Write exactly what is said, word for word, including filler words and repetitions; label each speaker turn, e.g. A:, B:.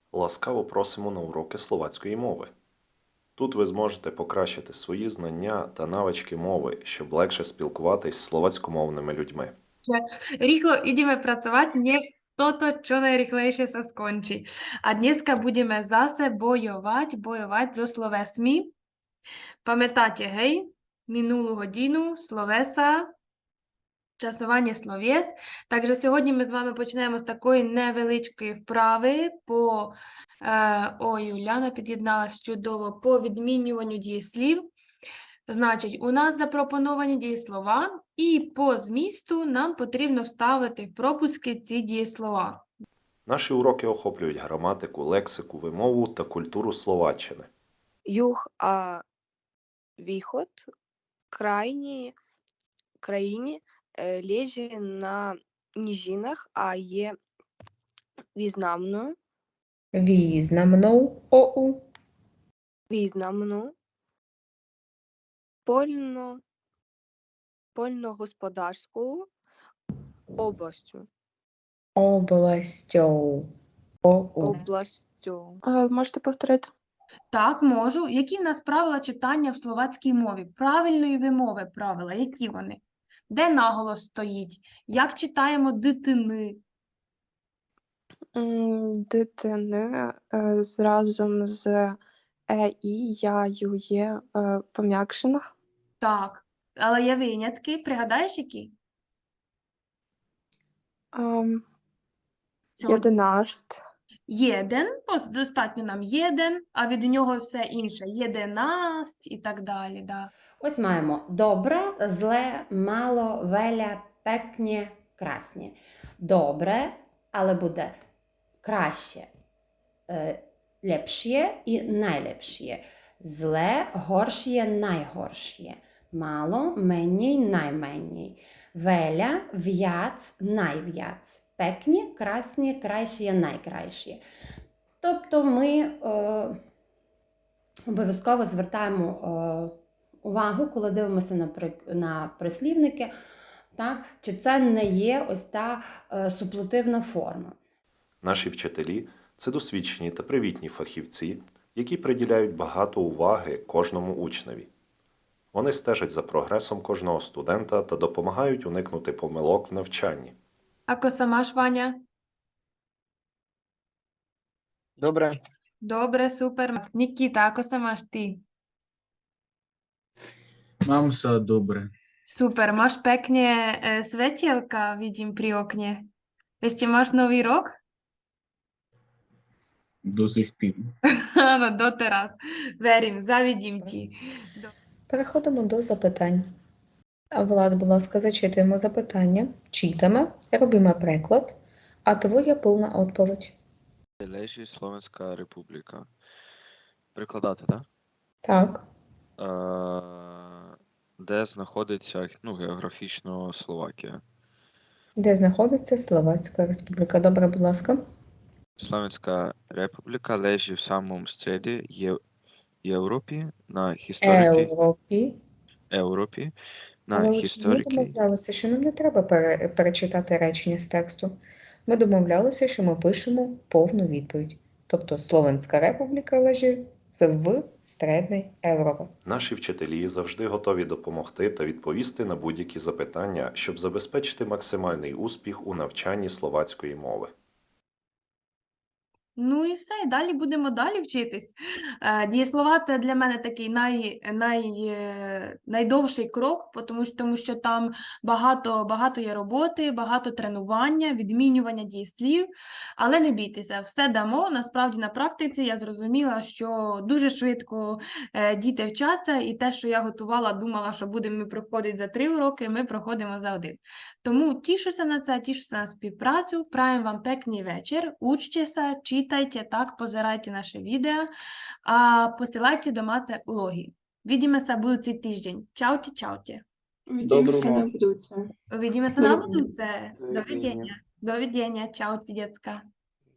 A: Ласкаво просимо на уроки словацької мови. Тут ви зможете покращити свої знання та навички мови, щоб легше спілкуватись з словацькомовними людьми.
B: Rýchlo ideme pracovať, nech toto čo najrychlejšie sa skončí. A dneska budeme zase bojovať, bojovať so slovesmi. Пам'ятаєте, гей, минулу годину, словеса, часування словес. Takže сьогодні ми з вами почнемо з такої невеличкої вправи по, е, ой, Уляна під'єдналась чудово, по відмінюванню дієслів. Значить, у нас запропоновані дієслова, і по змісту нам потрібно вставити в пропуски ці дієслова.
A: Наші уроки охоплюють граматику, лексику, вимову та культуру Словаччини.
C: Юг, а východ крайні країні е, лежить на низинах, а є významnou,
D: Významnou OU.
C: významnou польно, польногосподарською областю.
D: Областю. ОУ.
C: Областю.
E: А, можете повторити?
B: Так, можу. Які в нас правила читання в словацькій мові? Правильної вимови правила, які вони? Де наголос стоїть? Як читаємо дитини?
E: М, Дитини е, з- разом з е, і, я, ю, є е, пом'якшена.
B: Так, але є винятки. Пригадаєш, які?
E: Ем,
B: Сьогодні.
E: Єдинаст.
B: Єден, ось достатньо нам єден, а від нього все інше. Єдинаст і так далі. Да.
F: Ось маємо добре, зле, мало, веля, пекнє, красні. Добре, але буде краще, е, лепшє і найлепшє. Зле, горшє, найгоршє. Мало, менній, найменній. Веля, в'яц, найв'яц. Пекні, красні, кращі, найкраще. Тобто ми е, обов'язково звертаємо е, увагу, коли дивимося на, при, на прислівники, так, чи це не є ось та е, суплетивна форма.
A: Наші вчителі – це досвідчені та привітні фахівці, які приділяють багато уваги кожному учневі. Вони стежать за прогресом кожного студента та допомагають уникнути помилок в навчанні.
B: Ако самаш, Ваня?
G: Добре,
B: Добре, супер. Нікіта, ако самаш ти?
G: mám sa dobre.
B: Super, máš pekne e, svetielka, vidím pri okne. Ešte máš nový rok?
G: До сих пір.
B: Áno, doteraz. Verím, zavidím ti.
D: Переходимо до запитань. А, Влад, будь ласка, зачитуємо запитання, читаємо, робимо приклад, а твоя повна відповідь.
H: Лежить Словенська Республіка. Прикладати, так?
D: Так,
H: Е, де знаходиться, ну, географічно Словакія?
D: де знаходиться Словацька Республіка. Добре, будь ласка.
H: Словенська Республіка лежить в самому стреді Є... Європі на історики
D: Європі.
H: Європі на
D: Але от ми
H: історики.
D: домовлялися, що нам не треба пере- перечитати речення з тексту. Ми домовлялися, що ми пишемо повну відповідь. Тобто Словенська Республіка лежить в Середній Європі.
A: Наші вчителі завжди готові допомогти та відповісти на будь-які запитання, щоб забезпечити максимальний успіх у навчанні словацької мови.
B: Ну і все, і далі будемо далі вчитись. Е, Дієслова – це для мене такий най, най, е, найдовший крок, по тому що, тому що там багато, багато є роботи, багато тренування, відмінювання дієслів. Але не бійтеся, все дамо. Насправді на практиці я зрозуміла, що дуже швидко е, діти вчаться, і те, що я готувала, думала, що будемо ми проходити за три уроки, ми проходимо за один. Тому тішуся на це, тішуся на співпрацю. Праjem вам пекний вечір. Учтеся, читайте, так, позирайте наше відео, а посилайте домаце улоги. Vidíme будучий тиждень. Чауті, чауті.
E: Увидимося
G: Доброго.
E: на будуться.
B: Увидимося
E: До
B: на
E: видіння.
B: будуце. До видіння. До видіння. Чауті, дітка.